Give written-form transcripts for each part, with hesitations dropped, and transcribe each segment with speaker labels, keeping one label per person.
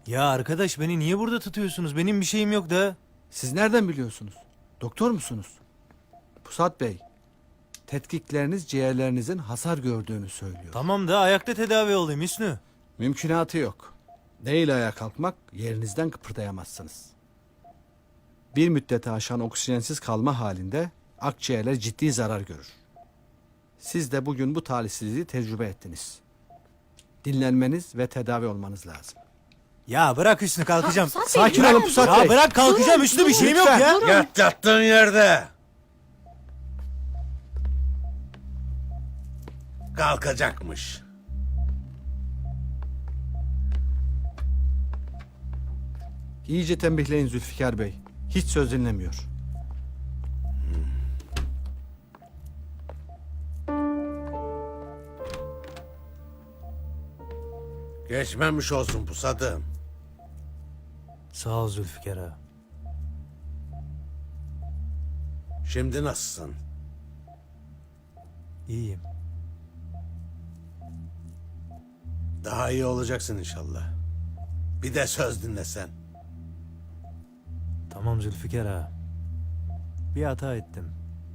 Speaker 1: Ya arkadaş beni niye burada tutuyorsunuz? Benim bir şeyim yok da.
Speaker 2: Siz nereden biliyorsunuz? Doktor musunuz? Pusat Bey, tetkikleriniz ciğerlerinizin hasar gördüğünü söylüyor.
Speaker 1: Tamam da ayakta tedavi olayım Hüsnü.
Speaker 2: Mümkünatı yok. Değil ayağa kalkmak, yerinizden kıpırdayamazsınız. Bir müddete aşan oksijensiz kalma halinde akciğerler ciddi zarar görür. Siz de bugün bu talihsizliği tecrübe ettiniz. Dinlenmeniz ve tedavi olmanız lazım.
Speaker 1: Ya bırak Hüsnü kalkacağım.
Speaker 3: Pusat Bey,
Speaker 2: Sakin
Speaker 3: bırak.
Speaker 2: olun Pusat
Speaker 1: Ya
Speaker 2: Bey.
Speaker 1: bırak kalkacağım Hüsnü, bir şeyim yok ya.
Speaker 4: Yat yattığın yerde. Kalkacakmış.
Speaker 2: İyice tembihleyin Zülfikar Bey. Hiç söz dinlemiyor.
Speaker 4: Geçmemiş olsun pusadım.
Speaker 1: Sağ ol Zülfikar ağa.
Speaker 4: Şimdi nasılsın?
Speaker 1: İyiyim.
Speaker 4: Daha iyi olacaksın inşallah. Bir de söz dinlesen.
Speaker 1: Tamam Zülfikar ağa. Bir hata ettim.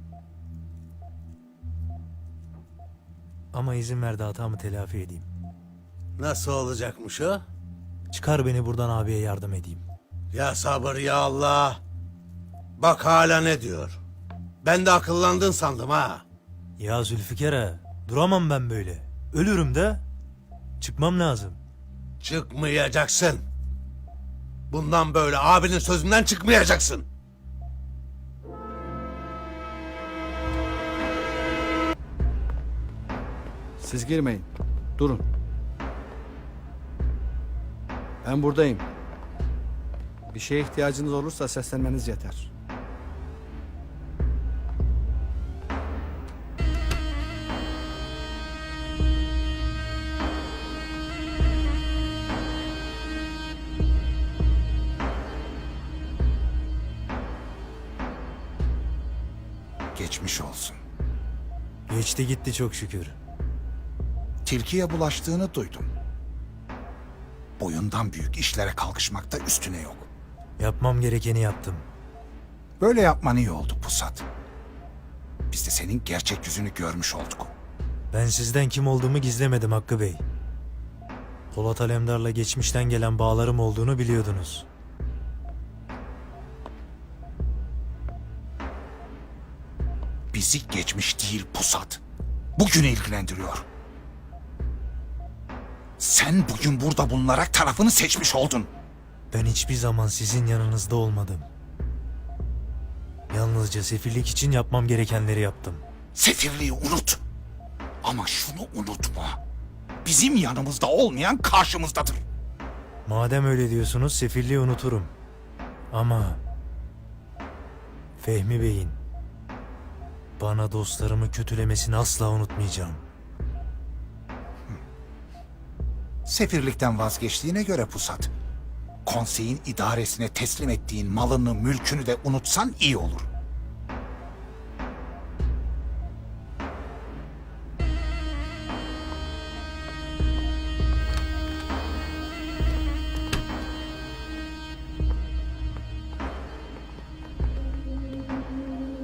Speaker 1: Ama izin ver de hatamı telafi edeyim.
Speaker 4: Nasıl olacakmış o?
Speaker 1: Çıkar beni buradan, abiye yardım edeyim.
Speaker 4: Ya sabır ya Allah. Bak hala ne diyor. Ben de akıllandın sandım ha.
Speaker 1: Ya Zülfikar ağa, duramam ben böyle. Ölürüm de. Çıkmam lazım.
Speaker 4: Çıkmayacaksın. Bundan böyle abinin sözünden çıkmayacaksın.
Speaker 2: Siz girmeyin. Durun. Ben buradayım. Bir şeye ihtiyacınız olursa seslenmeniz yeter.
Speaker 5: Geçmiş olsun.
Speaker 1: Geçti gitti çok şükür.
Speaker 5: Tilkiye bulaştığını duydum. Boyundan büyük işlere kalkışmakta üstüne yok.
Speaker 1: Yapmam gerekeni yaptım.
Speaker 5: Böyle yapman iyi oldu Pusat. Biz de senin gerçek yüzünü görmüş olduk.
Speaker 1: Ben sizden kim olduğumu gizlemedim Hakkı Bey. Polat Alemdar'la geçmişten gelen bağlarım olduğunu biliyordunuz.
Speaker 5: Bizi geçmiş değil Pusat. Bugünü ilgilendiriyor. Sen bugün burada bulunarak tarafını seçmiş oldun.
Speaker 1: Ben hiçbir zaman sizin yanınızda olmadım. Yalnızca sefillik için yapmam gerekenleri yaptım.
Speaker 5: Sefirliği unut. Ama şunu unutma. Bizim yanımızda olmayan karşımızdadır.
Speaker 1: Madem öyle diyorsunuz sefilliği unuturum. Ama Fehmi Bey'in bana dostlarımı kötülemesini asla unutmayacağım.
Speaker 5: Sefirlikten vazgeçtiğine göre Pusat, konseyin idaresine teslim ettiğin malını, mülkünü de unutsan iyi olur.